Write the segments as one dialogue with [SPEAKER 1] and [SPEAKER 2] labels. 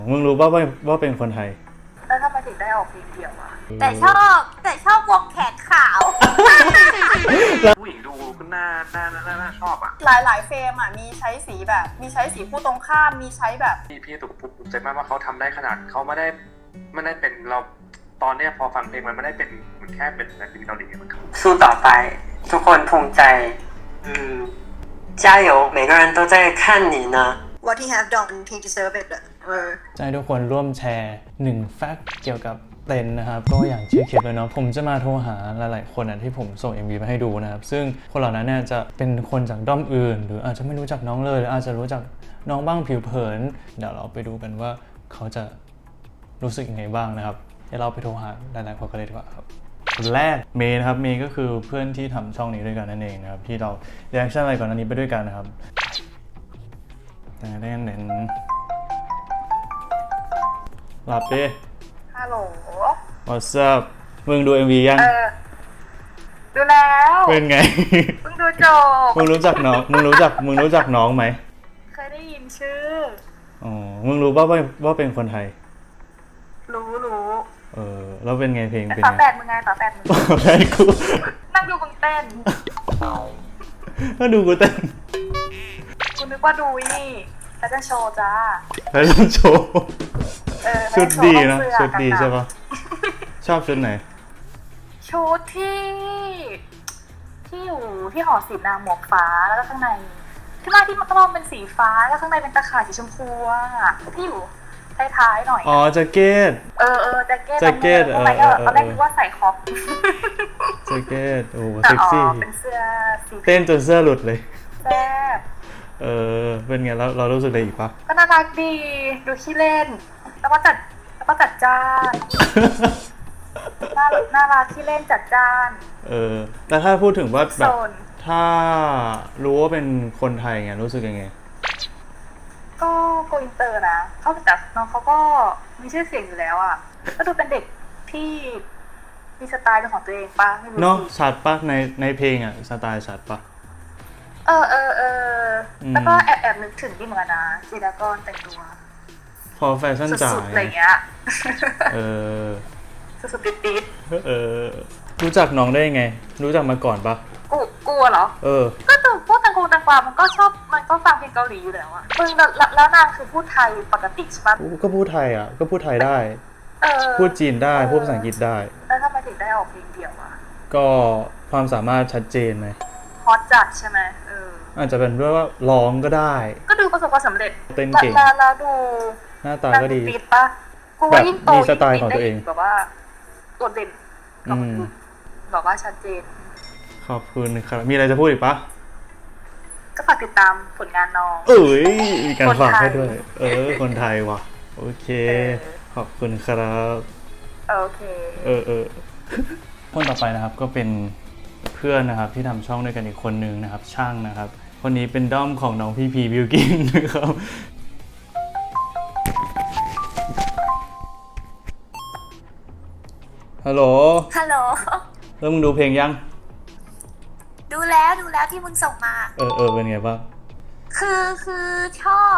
[SPEAKER 1] มึงรู้ป่ะว่าเป็นคนไทย
[SPEAKER 2] แล้วทำไมถึงได้ออกเพลงเดี่ยวอะแต่ชอบวงแขนขาว
[SPEAKER 3] ผู้หญิงดูก็น่าชอบอ่ะ
[SPEAKER 2] หลายเฟรมอ่ะมีใช้สีแบบมีใช้สีผู้ตรงข้ามมีใช้แบบ
[SPEAKER 3] พี่ถูกภูมิใจมากว่าเขาทำได้ขนาดเขาไม่ได้เป็นเราตอนเนี้ยพอฟังเพลงมันไม่ได้เป็นเหมือนแค่เป็นศิลปินเกาหลีมัน
[SPEAKER 4] สู้ต่อไปทุกคนภูมิใจ加油每个人都在看你呢
[SPEAKER 2] What he have done he deserve it
[SPEAKER 1] จะให้ทุกคนร่วมแชร์1แฟกต์เกี่ยวกับเต้นนะครับก็อย่างชื่อคลิปเลยเนาะผมจะมาโทรหาหลายๆคนที่ผมส่ง MV มาให้ดูนะครับซึ่งคนเหล่านั้นเนี่ยจะเป็นคนจากด้อมอื่นหรืออาจจะไม่รู้จักน้องเลยหรืออาจจะรู้จักน้องบ้างผิวเผินเดี๋ยวเราไปดูกันว่าเขาจะรู้สึกยังไงบ้างนะครับเดี๋ยวเราไปโทรหาหลายๆคนกันเลยดีกว่าครับคนแรกเมย์นะครับเมย์ก็คือเพื่อนที่ทำช่องนี้ด้วยกันนั่นเองนะครับที่เราเรีแอคชั่นอะไรก่อนอันนี้ไปด้วยกันนะครับแต่ได้เน้นหลับดิ
[SPEAKER 2] ฮัลโหล
[SPEAKER 1] What's up มึงดู MV ยัง
[SPEAKER 2] ดูแล้ว
[SPEAKER 1] เป็นไง
[SPEAKER 2] เพิ่งดูจบ
[SPEAKER 1] มึงรู้จักน้องไหม
[SPEAKER 2] เคยได้ยินชื่อ
[SPEAKER 1] อ๋อมึงรู้ป่ะว่าเป็นคนไทย
[SPEAKER 2] รู้
[SPEAKER 1] แล้วเป็นไงเพลงเป็น
[SPEAKER 2] ไง
[SPEAKER 1] ต่อ
[SPEAKER 2] แปดมึงไงต่อแปดมึง
[SPEAKER 1] แพ้กู
[SPEAKER 2] นั่งดูมึงเต้น
[SPEAKER 1] ก็ดูกูเต้น
[SPEAKER 2] กูนึกว่าดูนี่แล้วจะโชว์จ้า
[SPEAKER 1] แล้วจะโชว์ชุดดีนะชุดดีใช่ปะชอบชุดไหน
[SPEAKER 2] ชุดที่อยู่ที่หอศิลป์นะหมวกฟ้าแล้วก็ข้างในที่มันก็มองเป็นสีฟ้าแล้วข้างในเป็นตะข่ายสีชมพูอะที่อยู่ท้ายๆหน่อย
[SPEAKER 1] อ๋อแจ็คเก็ต
[SPEAKER 2] แจ็คเก็ตตอนแรกนึกว่าใส่คอป
[SPEAKER 1] แจ็คเก็ตโอ้เซ็กซี่
[SPEAKER 2] เป็นเสื้อสี
[SPEAKER 1] เต้นจนเสื้อหลุดเลย
[SPEAKER 2] แซ่บ
[SPEAKER 1] เป็นไงแล้วเรารู้สึกอะไรอีกปะ
[SPEAKER 2] ก็น่ารักดีดูขี้เล่นแล้วก็จัดจ้านน่ารักขี้เล่นจัดจ้าน
[SPEAKER 1] แต่ถ้าพูดถึงว่าแบบถ้ารู้ว่าเป็นคนไทยไงรู้สึกยังไง
[SPEAKER 2] ก็โกอินเตอร์นะเขาแต่น้องเขาก็มีชื่อเสียงอยู่แล้วอ่ะก็ดูเป็นเด็กที่มีสไตล์เป็นของตัวเองป่ะไม่รู้
[SPEAKER 1] เนาะชัดป่ะในเพลงอ่ะสไตล์ชัดป่ะ
[SPEAKER 2] แล้วก็แอบนึกถึงที่เหมือนกันนะจีดากอนแต่งตัว
[SPEAKER 1] พอแฟชั่นจ๋า
[SPEAKER 2] อะไรเงี้ยสุดๆติด
[SPEAKER 1] รู้จักน้องได้ไงรู้จักมาก่อนปะ
[SPEAKER 2] กูเหรอก็ตัวพวกตังกวามันก็ชอบมันก็ฟังเพลงเกาหลีอยู่แล้วอะแล้วนางคือพูดไทยปกติใช่ปะ
[SPEAKER 1] ก็พูดไทยอ่ะก็พูดไทยได้พูดจีนได้พูดภาษาอังกฤษได้
[SPEAKER 2] แล้วทำไมถึงได้ออกเพลงเดี่ยวอะ
[SPEAKER 1] ก็ความสามารถชัดเจนไหม
[SPEAKER 2] ฮอตจัดใช่ไหม
[SPEAKER 1] อาจจะเป็นด้วยว่าร้องก็ได้
[SPEAKER 2] ก็ดูประสบความสำเร็จ
[SPEAKER 1] เต้นเก่ง
[SPEAKER 2] แล้วดู
[SPEAKER 1] หน้าตาก็ดี
[SPEAKER 2] ฟีดปะกูว่ายิ่งโต
[SPEAKER 1] มีสไตล์ของตัวเอง
[SPEAKER 2] แบบว่าตัวเด่นบอกว่าชัดเจน
[SPEAKER 1] ขอบคุณครับมีอะไรจะพูดอีกปะ
[SPEAKER 2] ก็ฝากติดตามผลงานน้อง
[SPEAKER 1] มีการฝากให้ด้วยคนไทยว่ะโอเคขอบคุณครับ
[SPEAKER 2] โอเค
[SPEAKER 1] คนต่อไปนะครับก็เป็นเพื่อนนะครับที่ทำช่องด้วยกันอีกคนนึงนะครับช่างนะครับคนนี้เป็นด้อมของน้องพี่พีบิวกินนะครับฮัลโหลแล้วมึงดูเพลงยัง
[SPEAKER 2] ดูแล้วที่มึงส่งมา
[SPEAKER 1] เป็นไงบ้าง
[SPEAKER 2] คือชอบ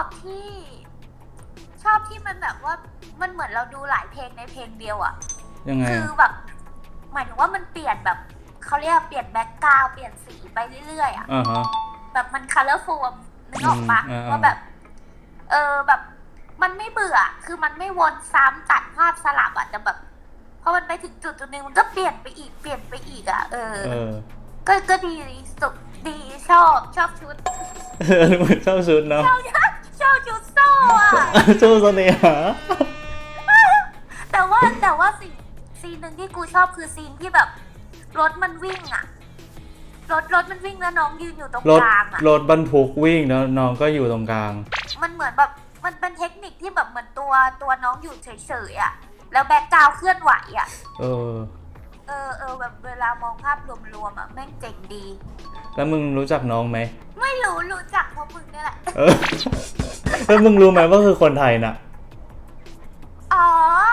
[SPEAKER 2] ที่มันแบบว่ามันเหมือนเราดูหลายเพลงในเพลงเดียวอะ
[SPEAKER 1] ยังไง
[SPEAKER 2] คือแบบหมายถึงว่ามันเปลี่ยนแบบเขาเรียกเปลี่ยนแบ็คกราวด์เปลี่ยนสีไปเรื่อยๆอะแบบมันคัลเลอร์ฟูลนึกออกปะว่าแบบแบบมันไม่เบื่อคือมันไม่วนซ้ำตัดภาพสลับอะแต่แบบพอมันไปถึงจุดนึงมันก็เปลี่ยนไปอีกอะก็ดีสุดดีชอบชุด
[SPEAKER 1] ชอบชุดเนาะ
[SPEAKER 2] ชอบชุดโซ่อะ
[SPEAKER 1] โซ่เสน่หา
[SPEAKER 2] แต่ว่าซีนหนึ่งที่กูชอบคือซีนที่แบบรถมันวิ่งอะรถมันวิ่งแล้วน้องยืนอยู่ตรงกลางอะ
[SPEAKER 1] รถบรรทุกวิ่งแล้วน้องก็อยู่ตรงกลาง
[SPEAKER 2] มันเหมือนแบบมันเป็นเทคนิคที่แบบเหมือนตัวน้องอยู่เฉยๆอะแล้วแบ็คกราวด์เคลื่อนไหวอะแบบเวลามองภาพรวมๆอ่ะแม่งเจ๋งดี
[SPEAKER 1] แล้วมึงรู้จักน้องไหม
[SPEAKER 2] ไม่รู้จักเพราะมึงนี่แหละ
[SPEAKER 1] แล้วมึงรู้ไหมว่าคือคนไทยน่ะ
[SPEAKER 2] อ๋อ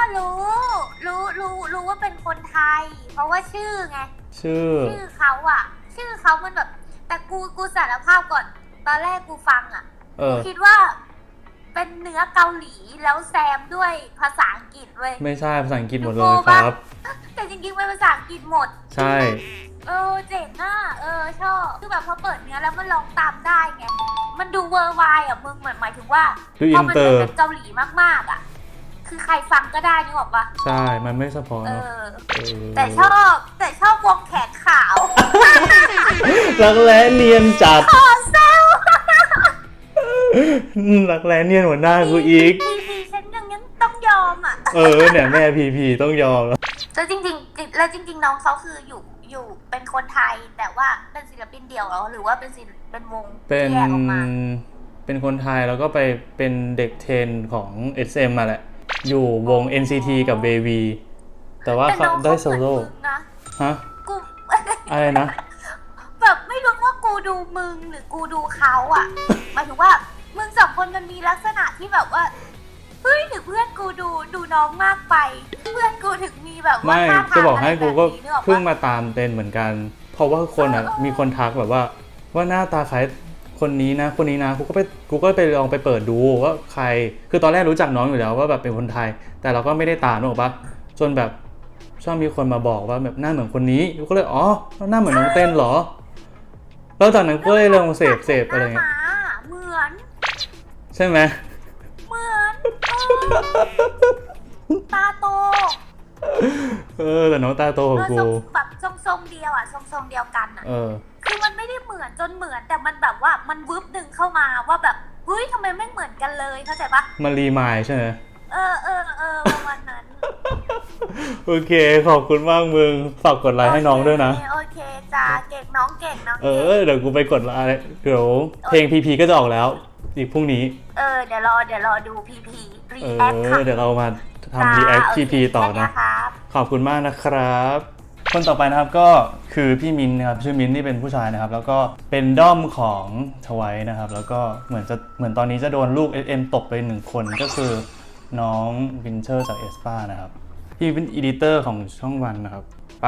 [SPEAKER 2] รู้ว่าเป็นคนไทยเพราะว่าชื่อไงชื่อเขาอ่ะชื่อเขามันแบบแต่กูสารภาพก่อนตอนแรกกูฟังอ่ะกูคิดว่าเป็นเนื้อเกาหลีแล้วแซมด้วยภาษาอังกฤษเว้ย
[SPEAKER 1] ไม่ใช่ภาษาอังกฤษหมดเลยครับ
[SPEAKER 2] แต่จริงๆเป็นภาษาอังกฤษหมด
[SPEAKER 1] ใช่
[SPEAKER 2] เจ๋งอ่ะชอบคือแบบพอเปิดเนื้อแล้วมันร้องตามได้ไงมันดูเวอร์ไวอ่ะมึงเหมือนหมายถึงว่า
[SPEAKER 1] ดู
[SPEAKER 2] พ
[SPEAKER 1] อิ
[SPEAKER 2] อน มัน
[SPEAKER 1] เตอ
[SPEAKER 2] เป็น
[SPEAKER 1] ร์
[SPEAKER 2] แบบเกาหลีมากๆอ่ะคือใครฟังก็ได้นึกออกปะ
[SPEAKER 1] ใช่ มันไม่เฉพาะเนอะ
[SPEAKER 2] แต่ชอบวงแขนขาว
[SPEAKER 1] รักแร้เนียนจัด
[SPEAKER 2] ขอเซล
[SPEAKER 1] รักแร้เนียนหัวหน้ากูอีก
[SPEAKER 2] พีฉันยังต้องยอมอ่ะ
[SPEAKER 1] เนี่ยแม่พีต้องยอมแล้ว
[SPEAKER 2] แล้วจริงๆน้องเขาคืออยู่เป็นคนไทยแต่ว่าเป็นศิลปินเดี่ยวเหรอหรือว่าเป็นวง
[SPEAKER 1] เป็น
[SPEAKER 2] ที่แยกออกมา
[SPEAKER 1] เป็นคนไทยแล้วก็ไปเป็นเด็กเทรนของ SM มาแหละ อยู่วง NCT กับ Baby แต่ว่าเขาได้โซโล่
[SPEAKER 2] นะ
[SPEAKER 1] ฮะ
[SPEAKER 2] กู
[SPEAKER 1] อะไรนะ
[SPEAKER 2] แบบไม่รู้ว่ากูดูมึงหรือกูดูเขาอ่ะ หมายถึงว่ามึงสองคนมันมีลักษณะที่แบบว่าเฮ้ยหรือเพื่อนกูดูน้องมากไป เพื่อนกูถึงมีแบบว่า
[SPEAKER 1] ไม่
[SPEAKER 2] ท่าทาง
[SPEAKER 1] จะบอกให้กูก็
[SPEAKER 2] อะไรแบบนี้นึออปะ
[SPEAKER 1] เพิ่งมาตามเต้นเหมือนกัน เพราะว่าคนมีคนทักแบบว่าหน้าตาคล้ายคนนี้นะกูก็ไปลองไปเปิดดูว่าใครคือตอนแรกรู้จักน้องอยู่แล้วว่าแบบเป็นคนไทย แต่เราก็ไม่ได้ตามนึกออกปะจนแบบชอบมีคนมาบอกว่าแบบหน้าเหมือนคนนี้กูก็เลยหน้าเหมือนน้องเต้นเหรอแล้วจากนั้นก็เลยลองเสพอะไรเงี้ย
[SPEAKER 2] เหมือน
[SPEAKER 1] ใช่ไหม
[SPEAKER 2] เหมือนตาโต
[SPEAKER 1] แต่น้องตาโตกว่ากู
[SPEAKER 2] แบบทรงเดียวอ่ะทรงเดียวกันอ่ะ
[SPEAKER 1] เออ
[SPEAKER 2] คือมันไม่ได้เหมือนจนเหมือนแต่มันแบบว่ามันวึบดึงเข้ามาว่าแบบเฮ้ยทำไมไม่เหมือนกันเลยเข้าใจปะ
[SPEAKER 1] มันรีมายใช่ไหม
[SPEAKER 2] ประมาณนั้น
[SPEAKER 1] โอเคขอบคุณมากมึงฝากกดไลค์ให้น้องด้วยนะ
[SPEAKER 2] โอเคจ้าเก่งน้องเก่ง
[SPEAKER 1] เดี๋ยวกูไปกดไลค์เดี๋ยวเพลงพีก็จะออกแล้วอีกพรุ่งนี้
[SPEAKER 2] เดี๋ยวรอดูพีรีแอคค่ะ
[SPEAKER 1] เดี๋ยวเรามาทำรีแอคพีต่อนะ
[SPEAKER 2] ครับ
[SPEAKER 1] ขอบคุณมากนะครับ คนต่อไปนะครับก็คือพี่มินนะครับชื่อมินที่เป็นผู้ชายนะครับแล้วก็เป็นด้อมของทวายนะครับแล้วก็เหมือนตอนนี้จะโดนลูก SM ตบไป1คนก็คือน้องวินเชอร์จากเอสปานะครับพี่เป็นอีดิเตอร์ของช่องวันนะครับไป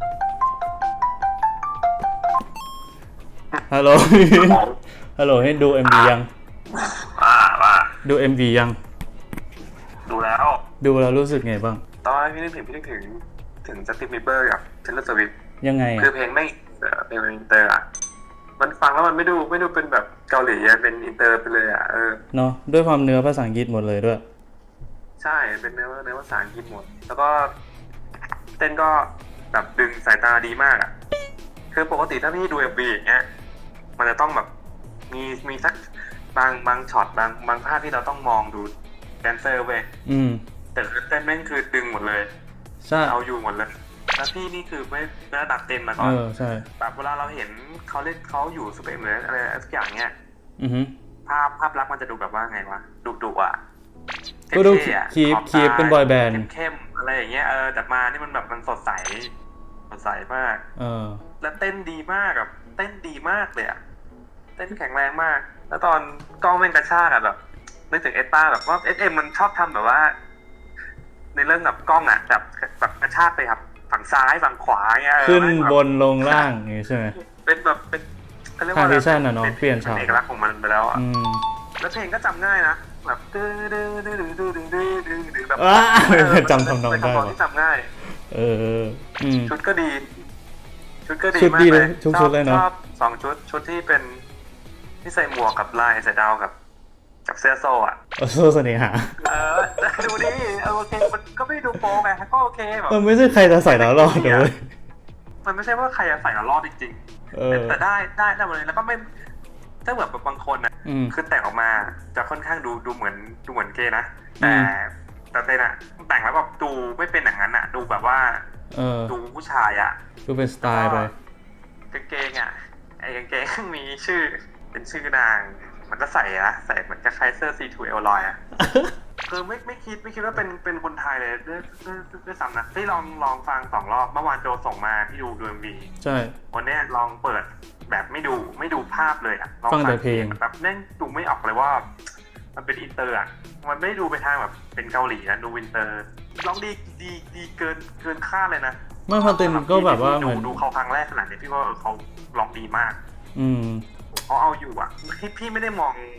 [SPEAKER 1] ฮัลโหลฮัลโหลให้ดู MV ยัง
[SPEAKER 3] ว่า
[SPEAKER 1] ดู MV ยัง
[SPEAKER 3] ดูแล้ว
[SPEAKER 1] รู้สึกไงบ้าง
[SPEAKER 3] ตอนพี่นึกถึงจัสตินบีเบอร์กับเทย์เลอร์สวิฟต์
[SPEAKER 1] ยังไง
[SPEAKER 3] คือเพลงไม่เพลงอินเตอร์อ่ะมันฟังแล้วมันไม่ดูเป็นแบบเกาหลีเป็นอินเตอร์ไปเลยอ่ะ
[SPEAKER 1] เนาะด้วยความเนื้อภาษาอังกฤษหมดเลยด้วย
[SPEAKER 3] ใช่เป็นเนื้อภาษาอังกฤษหมดแล้วก็เต้นก็แบบดึงสายตาดีมากอ่ะคือปกติถ้าพี่ดู MV อย่างเงี้ยมันจะต้องแบบมีสักบางช็อตบางภาพที่เราต้องมองดูแดนเซอร์เว้ยแต่เต้นแม่งคือดึงหมดเลย
[SPEAKER 1] ใช่
[SPEAKER 3] เอาอยู่หมดเลยแล้วพี่นี่คือไม่ระดับเต้นมาก่อน
[SPEAKER 1] ใช่
[SPEAKER 3] แบบเวลาเราเห็นเขาอยู่ซูเปอร์เอ็มเลยอะไรสักอย่างเงี้ยภาพลักษณ์มันจะดูแบบว่าไงวะดุอ่ะ
[SPEAKER 1] ก็ดูคีปเป็นบอยแบนด์
[SPEAKER 3] เข้มอะไรอย่างเงี้ยแต่มานี่มันแบบมันสดใสมากแล้วเต้นดีมากแบบเต้นดีมากเลยอ่ะเต้นแข็งแรงมากแล้วตอนกล้องแม่งกระชากอ่ะแบบนึกถึงเอสป้าแบบว่า SM มันชอบทำแบบว่าในเรื่องแบบกล้องอ่ะแบบกระชากไปครับฝั่งซ้ายฝั่งขวาเงี้ย
[SPEAKER 1] ขึ้นบนลงล่างอย่างงี้ใช่ไหม
[SPEAKER 3] เป็นแบบเป็นเขาเรียกว่า
[SPEAKER 1] transition อ่ะเนาะเปลี่ยนฉาก
[SPEAKER 3] เอกลักษณ์ของมันไปแล้วอ่ะแล้วเพลงก็จำง่ายนะแบบดื้อแบบ
[SPEAKER 1] จำทำนองได้
[SPEAKER 3] ที่จำง่ายชุดก็ดี
[SPEAKER 1] มากเลยชุดเลยเนาะ
[SPEAKER 3] ชอบ2ชุดที่เป็นที่ใส่หมวกกับลายใส่ดาวกับเสื้อโซ่อะ
[SPEAKER 1] โซ่เสน่หา
[SPEAKER 3] ดูดิโอเคมันก็ไม่ดูโป๊ไงก็โอเคแบบ
[SPEAKER 1] มันไม่ใช่ใครจะใส่แล้วรอดเลย
[SPEAKER 3] มันไม่ใช่ว่าใครจะใส่แล้วรอดจริงๆแต่ได้หมดเลยแล้วก็ไม่ถ้าแบบบางคนนะคือแต่งออกมาจะค่อนข้างดูเหมือนเกย์นะแต่เต้นอะแต่งแล้วแบบดูไม่เป็นอย่างนั้นอะดูแบบว่าดูผู้ชายอะ
[SPEAKER 1] ดูเป็นสไตล์ไป
[SPEAKER 3] กางเกงอะไอ้กางเกงมีชื่อเป็นชื่อนางมันก็ใส่เหมือนกับคล้ายเสื้อ C2 เอลลอยอ่ะคือไม่คิดว่าเป็นคนไทยเลยด้วยซ้ำนะที่ลองฟัง2 รอบเมื่อวานโจส่งมาที่ดู MV
[SPEAKER 1] ใช่
[SPEAKER 3] วันนี้ลองเปิดแบบไม่ดูภาพเลยอ่ะ
[SPEAKER 1] ฟังแต่เพลง
[SPEAKER 3] แบบแม่งดูไม่ออกเลยว่ามันเป็นอินเตอร์อ่ะมันไม่ดูไปทางแบบเป็นเกาหลีนะดูอินเตอร์ร้องดีเกินคาดเลยนะ
[SPEAKER 1] เมื่อพอเต็มก็แบบว่าเหมือน
[SPEAKER 3] ดูเขาครั้งแรกขนาดนี้พี่ว่าเขาร้องดีมากเขาเอาอยู่อ่ะพี่ไม่ได้มอง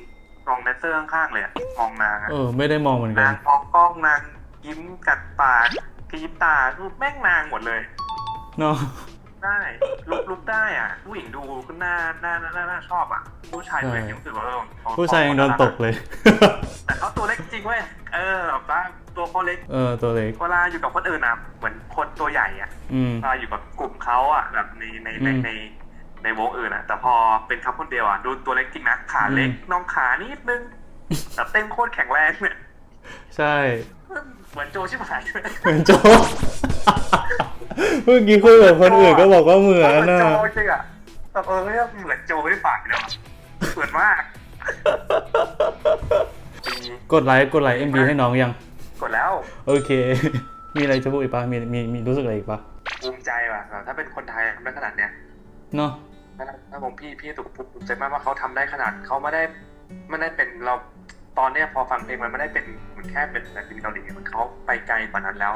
[SPEAKER 3] มองแดนเซอร์ข้างๆเลยมองนาง
[SPEAKER 1] ไม่ได้มองเหมือนกัน
[SPEAKER 3] นางมองกล้องนางยิ้มกัดปากกรี๊ดตารูปแม่งนางหมดเลย
[SPEAKER 1] เนาะ
[SPEAKER 3] ได้ลุกได้อ่ะผู้หญิงดูก็น่าชอบอ่ะผู้ชายดูอย่างนี้รู้สึกว่า
[SPEAKER 1] ผู้ชายยังโดนตกเลย
[SPEAKER 3] แต่เขาตัวเล็กจริงเว้ยแบบว่าตัวเขาเล็ก
[SPEAKER 1] ตัวเล็ก
[SPEAKER 3] เวลาอยู่กับคนอื่นอ่ะเหมือนคนตัวใหญ่อ่ะเวลาอยู่กับกลุ่มเขาอ่ะแบบในวงอื่นอ่ะแต่พอเป็นเขาคนเดียวอ่ะดูตัวเล็กจริงนะขาเล็กน้องขานิดนึงแต่เต้นโคตรแข็งแรงเนี่ย
[SPEAKER 1] ใช่
[SPEAKER 3] เหมือนโจชิบหาย
[SPEAKER 1] เหมือนโจเมื่อกี้คุยกับคนอื่นก็บอกว่าเหมือน
[SPEAKER 3] นะโจจริงอ่ะแต่ไม่เหมือนโจไม่ฝากเลยเหมือนมาก
[SPEAKER 1] กดไลค์ MV ให้น้องยัง
[SPEAKER 3] กดแล้ว
[SPEAKER 1] โอเคมีอะไรจะพูดอีกปะมีรู้สึกอะไรอีกปะ
[SPEAKER 3] ภูมิใจว่ะถ้าเป็นคนไทยทำได้ขนาดเนี้ย
[SPEAKER 1] เนาะ
[SPEAKER 3] ถ้าผมพี่ถูกภูมิใจมากว่าเขาทำได้ขนาดเขาไม่ได้เป็นเราตอนเนี้ยพอฟังเพลงมันไม่ได้เป็นเหมือนแค่เป็นศิลปินเกาหลีมันเขาไปไกลกว่านั้นแล้ว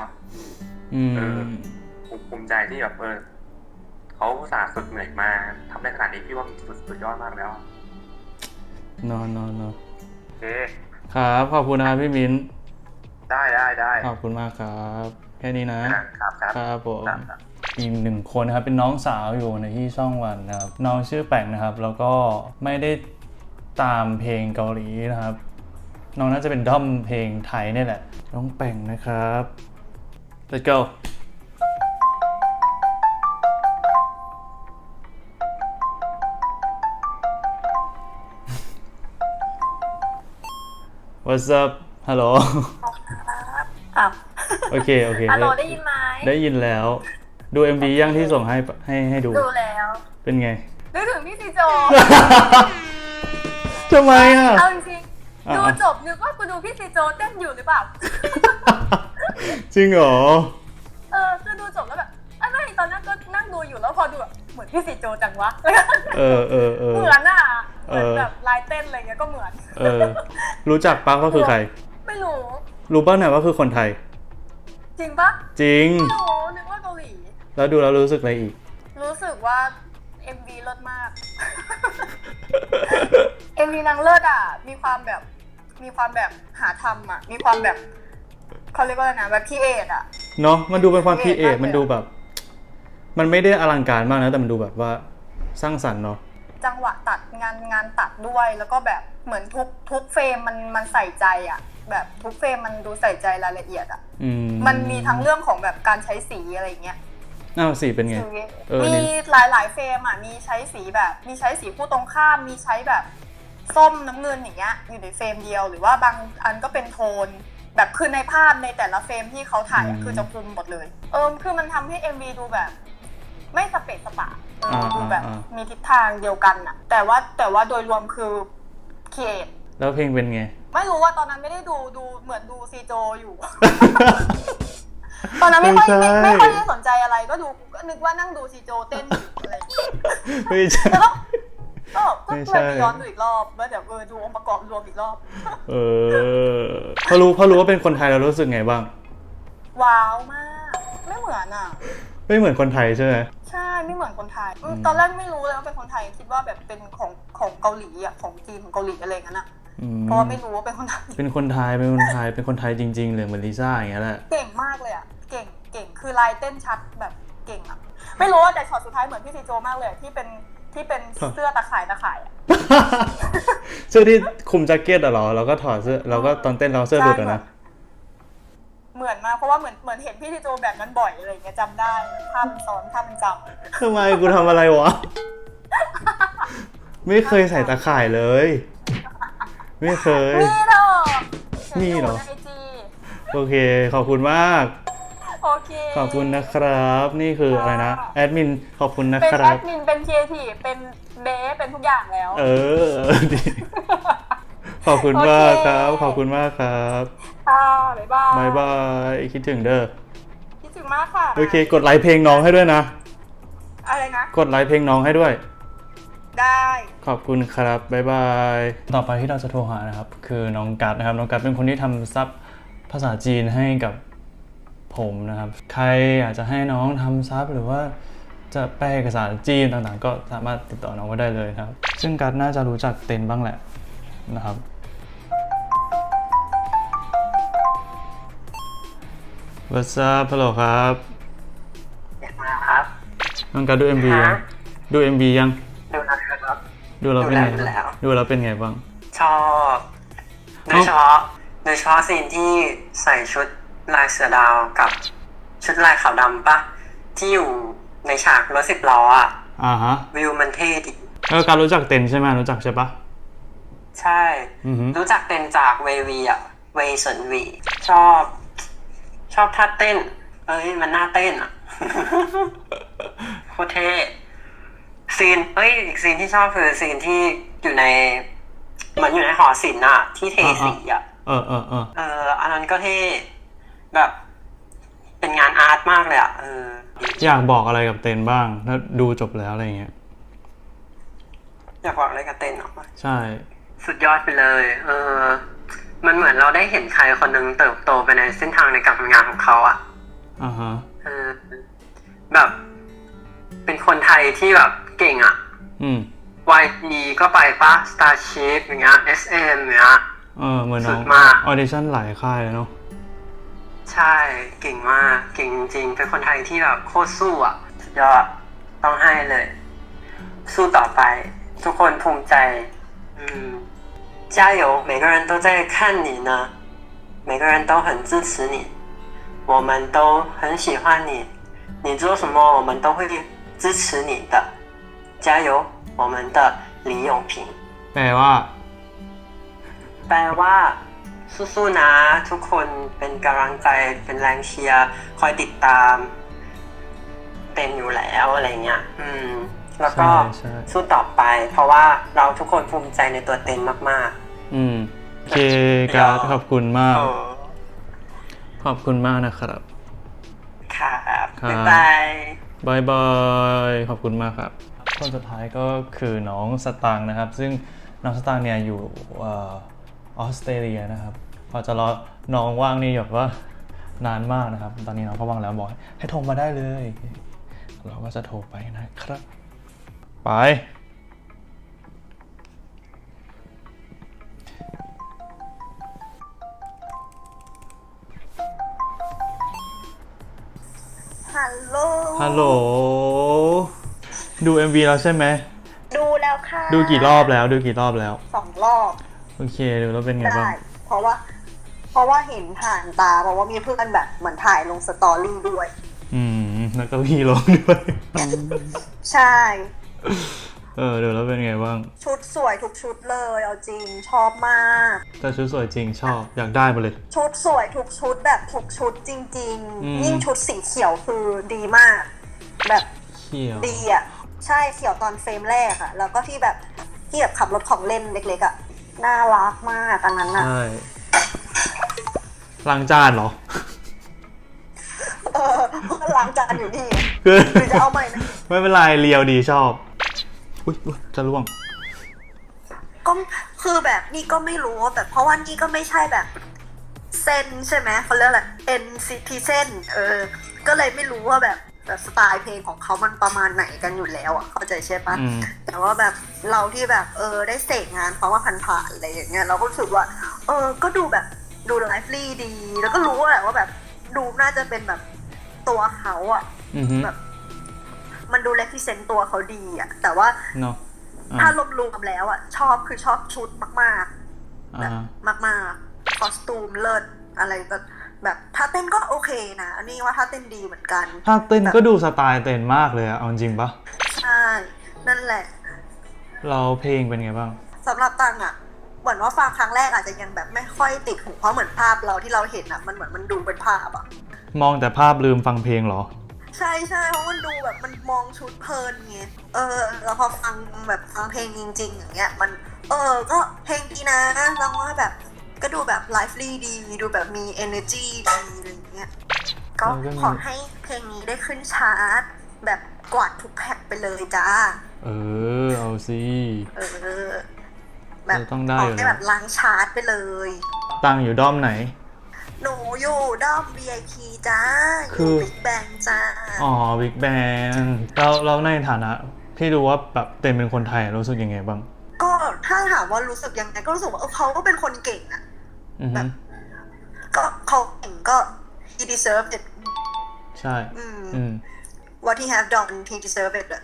[SPEAKER 3] ภูมิใจที่แบบเขาอุตส่าห์ฝึกเหนื่อยมาทำได้ขนาดนี้พี่ว่าสุดยอดมากแล้ว
[SPEAKER 1] นอน
[SPEAKER 3] โอเค
[SPEAKER 1] ครับขอบคุณนะครับพี่มิ้น
[SPEAKER 3] ได้
[SPEAKER 1] ขอบคุณมากครับแค่นี้นะครับผมอีกหนึ่งคนนะครับเป็นน้องสาวอยู่ในที่ช่องวันนะครับน้องชื่อแป่งนะครับแล้วก็ไม่ได้ตามเพลงเกาหลีนะครับน้องน่าจะเป็นด้อมเพลงไทยนี่แหละน้องแป่งนะครับ Let's go What's up ฮัลโหลโอเค
[SPEAKER 2] ฮัลโหลได้ยินไหม
[SPEAKER 1] ได้ยินแล้วดู MV ยังที่ส่งให้ดู
[SPEAKER 2] แล้ว
[SPEAKER 1] เป็นไง
[SPEAKER 2] นึกถึงพี่ซีโจ
[SPEAKER 1] ทำไมอ่ะ
[SPEAKER 2] เอาจริงดูจบนึกว่ากูดูพี่ซีโจเต้นอยู่หรือเปล่า
[SPEAKER 1] จริงเหรอ
[SPEAKER 2] คือดูจบแล้วแบบไม่ตอนนั้นก็นั่งดูอยู่แล้วพอดูแบบเหมือนพี่ซีโจจังวะเหมือนอ่ะเหมือนแบบลายเต้นอะไรเงี้ยก็เหมือน
[SPEAKER 1] รู้จักปะว่าคือใคร
[SPEAKER 2] ไม่รู้
[SPEAKER 1] ป่ะเนี่ยว่าคือคนไทย
[SPEAKER 2] จริงปะ
[SPEAKER 1] จริง
[SPEAKER 2] ไม่รู้นึกว่าเกาหลี
[SPEAKER 1] แล้วดูแล้วรู้สึกอะไรอีก
[SPEAKER 2] รู้สึกว่า MV เลิศมาก MV นางเลิศอ่ะมีความแบบหาทำอ่ะมีความแบบเขาเรียกว่าอะไรนะแบบพีเอทอ่ะ
[SPEAKER 1] เนาะมันดูเป็นความพีเอทมันดูแบบมันไม่ได้อลังการมากนะแต่มันดูแบบว่าสร้างสรรค์เนาะ
[SPEAKER 2] จังหวะตัดงานตัดด้วยแล้วก็แบบเหมือนทุกเฟรมมันใส่ใจอ่ะแบบทุกเฟรมมันดูใส่ใจรายละเอียดอ่ะมันมีทั้งเรื่องของแบบการใช้สีอะไรเงี้ย
[SPEAKER 1] สีเป็นไง
[SPEAKER 2] มีหลายเฟรมอ่ะมีใช้สีคู่ตรงข้ามมีใช้แบบส้มน้ำเงินอย่างเงี้ยอยู่ในเฟรมเดียวหรือว่าบางอันก็เป็นโทนแบบคือในภาพในแต่ละเฟรมที่เขาถ่ายคือจะคุมหมดเลยคือมันทำให้ MV ดูแบบไม่สเปะสปะดูแบบมีทิศทางเดียวกันอ่ะแต่ว่าโดยรวมคือครีเอท
[SPEAKER 1] แล้วเพลงเป็นไง
[SPEAKER 2] ไม่รู้ว่าตอนนั้นไม่ได้ดูเหมือนดูซีโจอยู่ ตอนนั้นไม่ค่อยได้สนใจอะไรก็ดูก็นึกว่านั่งดูซีโจเต้นอะไร
[SPEAKER 1] ไม่ใช่
[SPEAKER 2] ก็เลยไปย้อนดูอีกรอบแล้วเดี๋ยวดูองค์ประกอบรวมอีกรอบ
[SPEAKER 1] พอรู้ว่าเป็นคนไทยเรารู้สึกไงบ้าง
[SPEAKER 2] ว้าวมากไม่เหมือนอ่ะ
[SPEAKER 1] ไม่เหมือนคนไทยใช่ไหม
[SPEAKER 2] ใช่ไม่เหมือนคนไทยตอนแรกไม่รู้เลยว่าเป็นคนไทยคิดว่าแบบเป็นของเกาหลีอ่ะของจีนของเกาหลีอะไรงั้นอ่ะเพราะไม่รู้ว่าเป็นคนไทย
[SPEAKER 1] เป็นคนไทยจริงๆเลยเหมือนลิซ่าอย่างเงี้ยแหละ
[SPEAKER 2] เก่งมากเลยอ่ะเก่งคือลายเต้นชัดแบบเก่งอ่ะไม่รู้ว่าแต่ช็อตสุดท้ายเหมือนพี่ซีโจมากเลยที่เป็นเสื้อตะข่ายอ่ะ
[SPEAKER 1] เสื้อที่คลุมแจ็คเก็ตเหรอเราก็ถอดเสื้อเราก็ตอนเต้นเราเสื้อหลุดนะ
[SPEAKER 2] เหมือนมากเพราะว่าเหมือนเห็นพี่ซีโจแบบนั้นบ่อยอะไรอย่างเงี้ยจำได้ภาพมันซ้อนภาพมันจ
[SPEAKER 1] ำทำไมกูทำอะไรวะไม่เคยใส่ตะข่ายเลยไม่เคย
[SPEAKER 2] นี่หรอ
[SPEAKER 1] โอเคขอบคุณมาก
[SPEAKER 2] โอเค
[SPEAKER 1] ขอบคุณนะครับนี่คืออะไรนะแอดมินขอบคุณนะครั
[SPEAKER 2] บเป็นแอดมินเป็นครีเอทีฟเป็นเบสเป็นทุกอย่างแล้ว
[SPEAKER 1] ดีขอบคุณมากครับขอบคุณมากครับบ๊ายบายคิดถึงเด้อ
[SPEAKER 2] คิดถึงมากค่ะ
[SPEAKER 1] โอเคกดไลค์เพลงน้องให้ด้วยนะ
[SPEAKER 2] อะไรนะ
[SPEAKER 1] กดไลค์เพลงน้องให้ด้วย
[SPEAKER 2] ได้
[SPEAKER 1] ขอบคุณครับบ๊ายบายต่อไปที่เราจะโทรหานะครับคือน้องกัดนะครับน้องกัดเป็นคนที่ทำซับภาษาจีนให้กับผมนะครับใครอยากจะให้น้องทำซับหรือว่าจะแปลเอกสารจีนต่างๆก็สามารถติดต่อน้องก็ได้เลยครับซึ่งกัดน่าจะรู้จักเต็นบ้างแหละนะครับ What's up ฮัลโหลครับ
[SPEAKER 4] อยากมาครับ
[SPEAKER 1] น้องการดู MV ยังดู MV ยัง
[SPEAKER 4] ดูแล้วครับ
[SPEAKER 1] ดูแล้วเป็นไง
[SPEAKER 4] ดูแล้ว
[SPEAKER 1] ดูแล้วเป็นไงบ้าง
[SPEAKER 4] ชอบโดยเฉพาะซีนที่ใส่ชุดลายเสือดาวกับชุดลายขาวดำปะที่อยู่ในฉากรถ10 ล้ออ่ะ
[SPEAKER 1] ฮะ
[SPEAKER 4] วิวมันเท่ดี
[SPEAKER 1] การรู้จักเต็นใช่ไหมรู้จักใช่ปะ
[SPEAKER 4] ใช่ รู้จักเต้นจากเววีอ่ะเวย์เซินวีชอบท่าเต้นมันน่าเต้นอ่ะ โคตรเท่ซีนอีกซีนที่ชอบคือซีนที่อยู่ในเหมือนอยู่ในหอศิลป์อ่ะที่เทสีอ่ะอันนั้นก็เท่แบบเป็นงานอาร์ตมากเลยอ่ะ
[SPEAKER 1] อยากบอกอะไรกับเต็นบ้างถ้าดูจบแล้วอะไรเงี้ย
[SPEAKER 4] อยากบอกอะไรกับเต้นหรอ
[SPEAKER 1] ใช่
[SPEAKER 4] สุดยอดไปเลยมันเหมือนเราได้เห็นใครคนหนึ่งเติบโตไปในเส้นทางในการทำงานของเขาอ่ะแบบเป็นคนไทยที่แบบเก่งอ่ะYG ก็ไปปะ Starship อย่างเงี้ย SM อย่างเงี้ย
[SPEAKER 1] เหมือนน้องออดิชั่นหลายค่ายเลยเนาะ
[SPEAKER 4] ใช่เก่งมากเก่งจริงๆเป็นคนไทยที่แบบโคตรสู้อ่ะสุดยอดต้องให้เลยสู้ต่อไปทุกคนภูมิใจ加油每个人都在看你呢每个人都很支持你我们都很喜欢你你做什么我们都会支持你的加油我们的李永平
[SPEAKER 1] แปลว่า
[SPEAKER 4] สู้ๆนะทุกคนเป็นกำลังใจเป็นแรงเชียร์คอยติดตามเต็มอยู่แล้วอะไรเงี้ยแล้วก็สู้ต่อไปเพราะว่าเราทุกคนภูมิใจในตัวเต็มมาก
[SPEAKER 1] โอเคการขอบคุณมากขอบคุณมากนะครับ
[SPEAKER 4] ครับบ๊าย
[SPEAKER 1] บายขอบคุณมากครับคนสุดท้ายก็คือน้องสตางค์นะครับซึ่งน้องสตางค์เนี่ยอยู่ออสเตรเลียนะครับพอจะรอน้องว่างนี่แบบว่านานมากนะครับตอนนี้น้องก็ว่างแล้วบอกให้โทรมาได้เลยเราก็จะโทรไปนะครับไปฮัลโหลดู MV แล้วใช่ไหม
[SPEAKER 5] ดูแล้วค่ะ
[SPEAKER 1] ดูกี่รอบแล้ว
[SPEAKER 5] 2 รอบ
[SPEAKER 1] โอเคดูแล้วเป็นไงบ้าง
[SPEAKER 5] เพราะว่าเห็นผ่านตาเพราะว่ามีเพื่อนแบบเหมือนถ่ายลงสตอรี่ด้วย
[SPEAKER 1] แล้วก็พี่ลงด้วย
[SPEAKER 5] ใช่
[SPEAKER 1] ดูแล้วเป็นไงบ้าง
[SPEAKER 5] ชุดสวยทุกชุดเลยเอาจริงชอบมาก
[SPEAKER 1] แต่ชุดสวยจริงชอบอยากได้มาเลย
[SPEAKER 5] ชุดสวยทุกชุดแบบทุกชุดจริงๆยิ่งชุดสีเขียวคือดีมากแบบ
[SPEAKER 1] เขียว
[SPEAKER 5] ดีอ่ะใช่เขียวตอนเฟรมแรกอ่ะแล้วก็ที่แบบขับรถของเล่นเล็กๆอ่ะน่ารักมากอันนั้นอ่ะ
[SPEAKER 1] ใช่ล้างจานเหรอ
[SPEAKER 5] ก็ล้างจานอยู่นี่คือจะเอาใหม่นะ
[SPEAKER 1] ไม่เป็นไรเรียวดีชอบอุ๊ยจะล่วง
[SPEAKER 5] ก็คือแบบนี่ก็ไม่รู้แต่เพราะว่านี่ก็ไม่ใช่แบบเส้นใช่ไหมเขาเรียกอะไร NCT เส้นก็เลยไม่รู้ว่าแบบสไตล์เพลงของเขามันประมาณไหนกันอยู่แล้วอ่ะเข้าใจใช่ปะแต่ว่าแบบเราที่แบบได้เสกงานเขาว่าผ่านๆอะไรอย่างเงี้ยเราก็รู้สึกว่าก็ดูแบบดูไลฟ์ลี่ดีแล้วก็รู้แหละว่าแบบดูน่าจะเป็นแบบตัวเขาอ่ะแบบมันดูเรปรีเซนต์ตัวเขาดีอ่ะแต่ว่าถ้ารวมๆแล้วอ่ะชอบชุดมากๆแบบมากๆคอสตูมเลิศอะไรแบบท่าเต้นก็โอเคนะอันนี้ว่าท่าเต้นดีเหมือนกัน
[SPEAKER 1] ท่าเต้นก็ดูสไตล์เต้นมากเลยอะเอาจริงปะ
[SPEAKER 5] ใช่นั่นแหละ
[SPEAKER 1] เราเพลงเป็นไงบ้าง
[SPEAKER 5] สำหรับตังอะเหมือนว่าฟังครั้งแรกอาจจะยังแบบไม่ค่อยติดหูเพราะเหมือนภาพเราที่เราเห็นอะมันเหมือนมันดูเป็นภาพอะ
[SPEAKER 1] มองแต่ภาพลืมฟังเพลงเหรอ
[SPEAKER 5] ใช่เพราะมันดูแบบมันมองชุดเพลินไงแล้วพอฟังแบบฟังเพลงจริงๆอย่างเงี้ยมันก็เพลงดีนะแล้วว่าแบบก็ดูแบบไลฟ์ลี่ดีดูแบบมี energy ดีอะไรเงี้ยก็ขอให้เพลงนี้ได้ขึ้นชาร์ตแบบกวาดทุกแพ็คไปเลยจ้า
[SPEAKER 1] เอาสิ
[SPEAKER 5] แบบ
[SPEAKER 1] ต้องได้
[SPEAKER 5] ขอให้แบบล้างชาร์ตไปเลย
[SPEAKER 1] ตั้งอยู่ด้อมไหน
[SPEAKER 5] หนูอยู่ด้อม VIP จ้าคือ Big Bang จ้า
[SPEAKER 1] Big Bang เราในฐานะที่รู้ว่าแบบเต็มเป็นคนไทยรู้สึกยังไงบ้าง
[SPEAKER 5] ก็ถ้าถามว่ารู้สึกยังไงก็รู้สึกว่าเขาก็เป็นคนเก่งอะแบบก็เขาเก่งก็ he deserved it
[SPEAKER 1] ใช่
[SPEAKER 5] what he have done he deserved it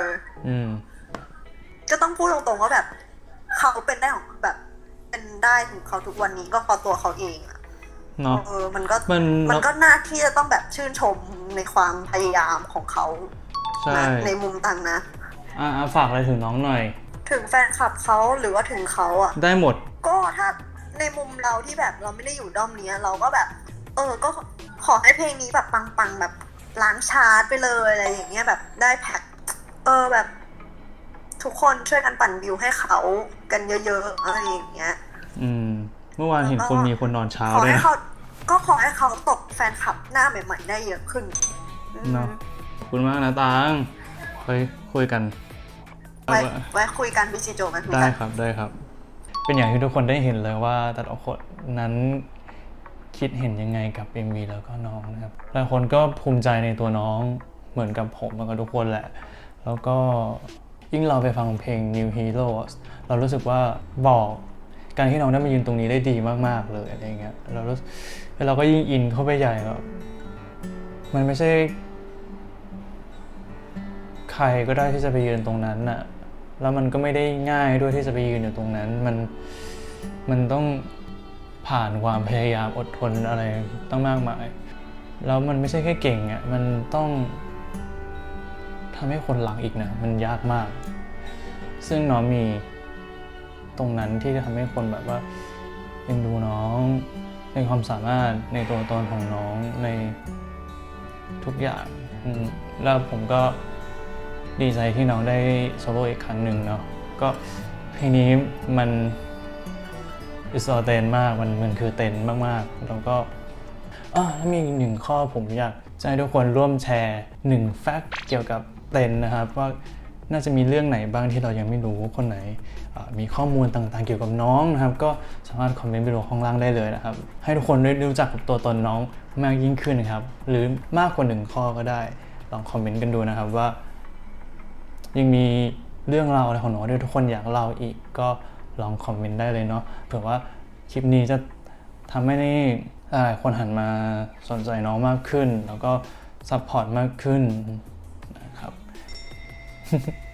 [SPEAKER 5] ก็ต้องพูดตรงๆว่าแบบเขาเป็นได้ของแบบเป็นได้ถึงเขาทุกวันนี้ก็เพราะตัวเขาเองอะ
[SPEAKER 1] เนาะ
[SPEAKER 5] มันก็น่าที่จะต้องแบบชื่นชมในความพยายามของเขาในมุมต่างนะ
[SPEAKER 1] ฝากอะไรถึงน้องหน่อย
[SPEAKER 5] ถึงแฟนคลับเขาหรือว่าถึงเขาอะ
[SPEAKER 1] ได้หมด
[SPEAKER 5] ก็ถ้าในมุมเราที่แบบเราไม่ได้อยู่ด้อมนี้เราก็แบบก็ขอให้เพลงนี้แบบปังๆแบบล้างชาร์ตไปเลยอะไรอย่างเงี้ยแบบได้แพ็คแบบทุกคนช่วยกันปั่นวิวให้เขากันเยอะๆอะไรอย่างเงี้ย
[SPEAKER 1] เมื่อวานเห็นมีคนนอนเช้าด้วยนะ
[SPEAKER 5] ขอให้เขาตกแฟนคลับหน้าใหม่ๆได้เยอะขึ้น
[SPEAKER 1] เนาะขอบคุณมากนะตังคุยกัน
[SPEAKER 5] ไว้คุยกันพี่จิโจไหม
[SPEAKER 1] ได้ครับเป็นอย่างที่ทุกคนได้เห็นเลยว่าแต่ละคนนั้นคิดเห็นยังไงกับ MV แล้วก็น้องนะครับหลายคนก็ภูมิใจในตัวน้องเหมือนกับผมแล้วก็ทุกคนแหละแล้วก็ยิ่งเราไปฟังเพลง New Heroes เรารู้สึกว่าบอกการที่น้องได้มายืนตรงนี้ได้ดีมากๆเลยอะไรเงี้ยเราก็ยิ่งอินเข้าไปใหญ่แบบมันไม่ใช่ใครก็ได้ที่จะไปยืนตรงนั้นน่ะแล้วมันก็ไม่ได้ง่ายด้วยที่จะไปยืนอยู่ตรงนั้นมันต้องผ่านความพยายามอดทนอะไรตั้งมากมายแล้วมันไม่ใช่แค่เก่งอ่ะมันต้องทำให้คนหลังอีกนะมันยากมากซึ่งน้องมีตรงนั้นที่จะทำให้คนแบบว่าเอ็นดูน้องในความสามารถในตัวตนของน้องในทุกอย่างแล้วผมก็ดีใจที่น้องได้โซโล่อีกครั้งหนึ่งเนาะก็เพลงนี้มันอิสระเต้นมากมันคือเต้นมากๆแล้วก็แล้วมีหนึ่งข้อผมอยากจะให้ทุกคนร่วมแชร์1แฟกต์เกี่ยวกับเต้นนะครับว่าน่าจะมีเรื่องไหนบ้างที่เรายังไม่รู้คนไหนมีข้อมูลต่างๆเกี่ยวกับน้องนะครับก็สามารถคอมเมนต์ไปดูข้างล่างได้เลยนะครับให้ทุกคนได้รู้จักกับตัวตนน้องมากยิ่งขึ้นนะครับหรือมากกว่า1ข้อก็ได้ลองคอมเมนต์กันดูนะครับว่ายังมีเรื่องราวอะไรของน้องที่ทุกคนอยากเล่าอีกก็ลองคอมเมนต์ได้เลยเนาะเผื่อว่าคลิปนี้จะทำให้หลายคนหันมาสนใจน้องมากขึ้นแล้วก็ซัพพอร์ตมากขึ้นนะครับ